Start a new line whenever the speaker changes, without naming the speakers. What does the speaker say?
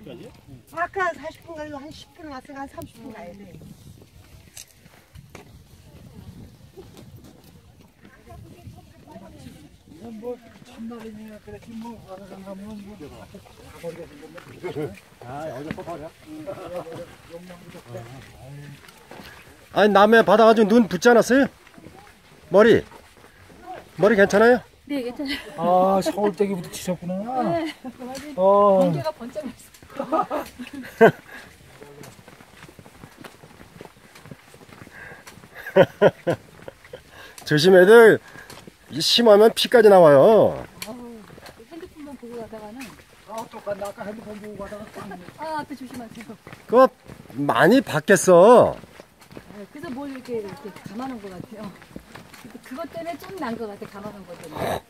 40분까지?
아까 40분 가려고 한 10분 왔으니까 한 30분 가야 돼.
이건 뭐 첫날이니까 그랬지 뭐 가서 가면 뭐 가버리가 생겼네.
아 여기서 또 버려?
아니 남해 받아가지고 눈 붙지 않았어요? 머리 괜찮아요?
네, 괜찮아요.
아 서울대기부터 치셨구나.
네.
어.
번개가 번쩍했어.
조심해들 심하면 피까지 나와요.
핸드폰만 보고 가다가는
똑같네. 아까 핸드폰 보고 가다가
앞에 조심하세요.
그거 많이 받겠어.
네, 그래서 뭘 이렇게 감아놓은 것 같아요. 그것 때문에 좀 난 것 같아, 감아놓은 것 때문에.